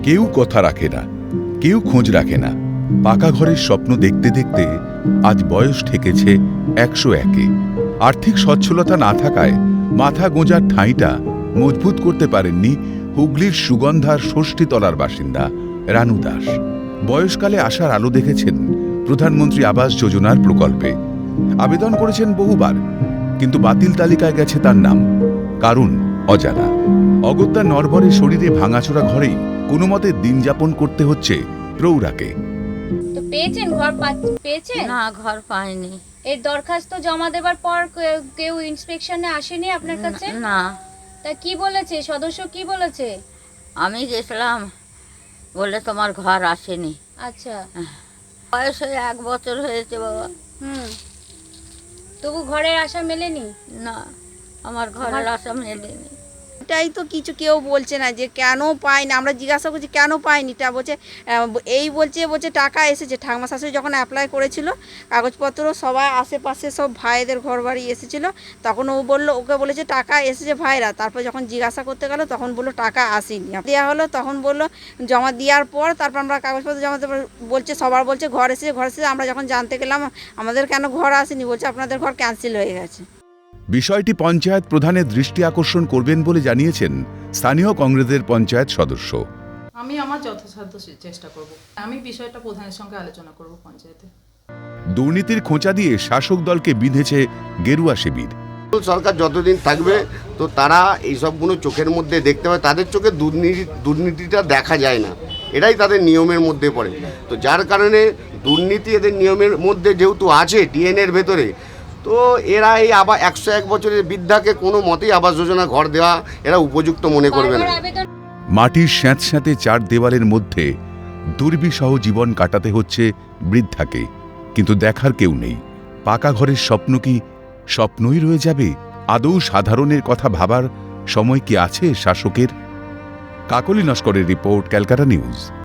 কেউ কথা রাখে না, কেউ খোঁজ রাখে না। পাকা ঘরের স্বপ্ন দেখতে দেখতে আজ বয়স ঠেকেছে 101-এ। আর্থিক সচ্ছলতা না থাকায় মাথা গোঁজার ঠাঁইটা মজবুত করতে পারেননি হুগলির সুগন্ধার ষষ্ঠীতলার বাসিন্দা রানু দাস। বয়সকালে আসার আলো দেখেছেন প্রধানমন্ত্রী আবাস যোজনার প্রকল্পে। আবেদন করেছেন বহুবার, কিন্তু বাতিল তালিকায় গেছে তার নাম। কারণ অজানা। অগত্যা নরবরে শরীরে ভাঙাচোরা ঘরেই কোনো মতে দিন যাপন করতে হচ্ছে প্রৌঢ়াকে। তো পেয়েছেন ঘর পেয়েছেন? না, ঘর পাইনি। এই দরখাস্ত জমা দেবার পর কেউ ইন্সপেকশনে আসেনি আপনার কাছে? না, তা কি বলেছে সদস্য, কি বলেছে? আমি গেছিলাম, বলে তোমার ঘর আসেনি। আচ্ছা। বয়স হয়ে 1 বছর হয়েছে বাবা। তবু ঘরের আশা মেলেনি? না, আমার ঘরের আশা মেলেনি। এটাই তো কিছু কেউ বলছে না যে কেন পাইনি। আমরা জিজ্ঞাসা করছি কেন পাইনি, তা বলছে এই বলছে টাকা এসেছে। ঠাকুমা শাশুড়ি যখন অ্যাপ্লাই করেছিল কাগজপত্র, সবাই আশেপাশে সব ভাইদের ঘর বাড়ি এসেছিল, তখন ওকে বলেছে টাকা এসেছে ভাইরা। তারপর যখন জিজ্ঞাসা করতে গেল তখন বললো টাকা আসেনি। দেওয়া হলো, তখন বললো জমা দেওয়ার পর তারপর আমরা কাগজপত্র জমা দেওয়ার বলছে সবার বলছে ঘর এসেছে। আমরা যখন জানতে গেলাম আমাদের কেন ঘর আসেনি, বলছে আপনাদের ঘর ক্যান্সেল হয়ে গেছে। বিষয়টি পঞ্চায়েত প্রধানের দৃষ্টি আকর্ষণ করবেন বলে জানিয়েছেন স্থানীয় কংগ্রেসের পঞ্চায়েত সদস্য। আমি আমার যথাসাধ্য চেষ্টা করব। আমি বিষয়টা প্রধানের সঙ্গে আলোচনা করব পঞ্চায়েতে। দুর্নীতির খোঁচা দিয়ে শাসক দলকে বিঁধেছে গেরুয়া শিবির। সরকার যতদিন থাকবে তো তারা এইসবগুলো চোখের মধ্যে দেখতে পায়। তাদের চোখে দুর্নীতিটা দেখা যায় না, এটাই তাদের নিয়মের মধ্যে পড়ে। তো যার কারণে দুর্নীতি এদের নিয়মের মধ্যে যেহেতু আছে ডিএনএর ভেতরে, তো এরা এই 101 বছরের বৃদ্ধাকে কোনো মতেই আবাস যোজনা ঘর দেওয়া এরা উপযুক্ত মনে করবে না। মাটির স্যাঁতস্যাঁতে 4 দেওয়ালের মধ্যে দুর্বিষহ জীবন কাটাতে হচ্ছে বৃদ্ধাকে, কিন্তু দেখার কেউ নেই। পাকা ঘরের স্বপ্ন কি স্বপ্নই রয়ে যাবে? আদৌ সাধারণের কথা ভাবার সময় কি আছে শাসকের? কাকলি নস্করের রিপোর্ট, ক্যালকাটা নিউজ।